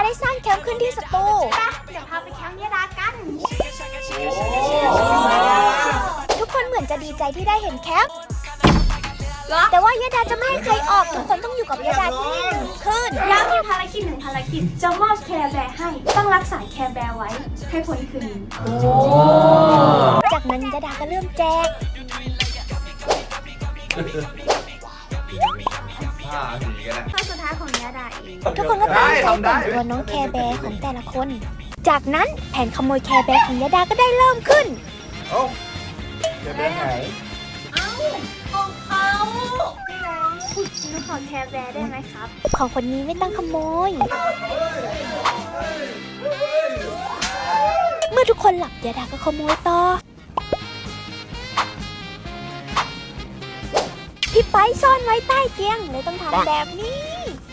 ได้สร้างแคมป์ขึ้นที่สตูเดี๋ยวพาไปแคมป์ยะดากันทุกคนเหมือนจะดีใจที่ได้เห็นแคมป์แต่ว่ายะดาจะไม่ให้ใครออกทุกคนต้องอยู่กับยะดาที่นี่1 คืนแล้วมีภารกิจ1 ภารกิจจะมอบแคร์แบร์ให้ต้องรักษาแคร์แบร์ไว้ให้พ้นคืนนี้จากนั้นยะดาก็เริ่มแจกข้อสุดท้ายของยะดาเองทุกคนก็ตั้งใจแต่งตัวน้องแคร์แบร์ของแต่ละคน จากนั้นแผนขโมยแคร์แบร์ของยะดาก็ได้เริ่มขึ้นเอ้าจะเป็นไหนของเขาพี่แบงค์หนูขอแคร์แบร์ได้ไหมครับของคนนี้ไม่ต้องขโมย เมื่อทุกคนหลับยะดาก็ขโมยต่อ พี่ไปซ่อนไว้ใต้เตียงเลยต้องทำแบบนี้